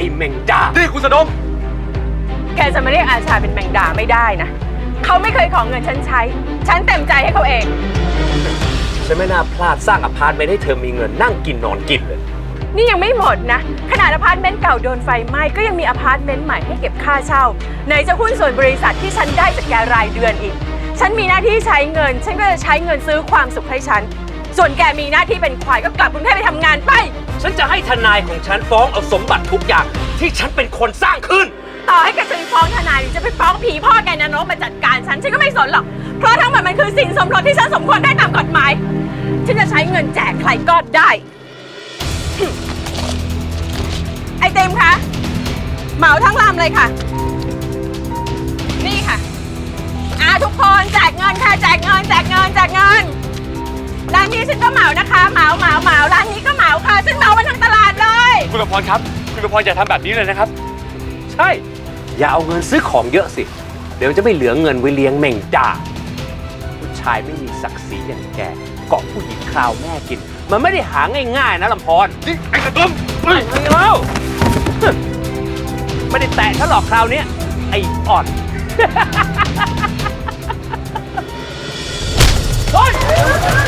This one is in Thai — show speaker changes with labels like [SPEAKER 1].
[SPEAKER 1] อ้แมงดา
[SPEAKER 2] นี่คุณสะดม
[SPEAKER 3] แกจะมาเรียกอาชาเป็นแมงดาไม่ได้นะเขาไม่เคยขอเงินฉันใช้ฉันเต็มใจให้เขาเอง
[SPEAKER 1] ฉันไม่น่าพลาดสร้างอพาร์ตเมนต์ให้เธอมีเงินนั่งกินนอนกินเลย
[SPEAKER 3] นี่ยังไม่หมดนะขนาดอพาร์ตเมนต์เก่าโดนไฟไหม้ก็ยังมีอพาร์ตเมนต์ใหม่ให้เก็บค่าเช่าไหนจะหุ้นส่วนบริษัทที่ฉันได้จากแกรายเดือนอีกฉันมีหน้าที่ใช้เงินฉันก็จะใช้เงินซื้อความสุขให้ฉันส่วนแกมีหน้าที่เป็นควายก็กลับกรุงเทพไปทำงานไป
[SPEAKER 1] ฉันจะให้ทนายของฉันฟ้องเอาสมบัติทุกอย่างที่ฉันเป็นคนสร้างขึ้น
[SPEAKER 3] ต่อให้แกจะไปฟ้องทนายหรือจะไปฟ้องผีพ่อแกนรกมาจัดการฉันก็ไม่สนหรอกเพราะทั้งหมดมันคือสินสมรสที่ฉันสมควรได้ตามกฎหมายฉันจะใช้เงินแจกใครก็ได้ไอเต็มคะเหมาทั้งลำเลยค่ะนี่ค่ะทุกคนแจกเงินค่ะแจกเงินร้านนี้ฉันก็เหมานะคะเหมาร้านนี้ก็เหมาค่ะฉันเหมามาทั้งตลาดเลย
[SPEAKER 2] คุณประพรครับคุณประพรอย่าทำแบบนี้เลยนะครับ
[SPEAKER 1] ใช่อย่าเอาเงินซื้อของเยอะสิเดี๋ยวจะไม่เหลือเงินไว้เลี้ยงแมงดาผู้ชายไม่มีศักดิ์ศรีอย่างแกเกาะผู้หญิงคราวแม่กินมันไม่ได้หาง่ายๆนะลำพร
[SPEAKER 2] นี่ไอ้กระตุ้ม
[SPEAKER 1] ไม่แล้วไม่ได้แตะฉันหรอกคราวนี้ไอ้อ่อนเฮ้ย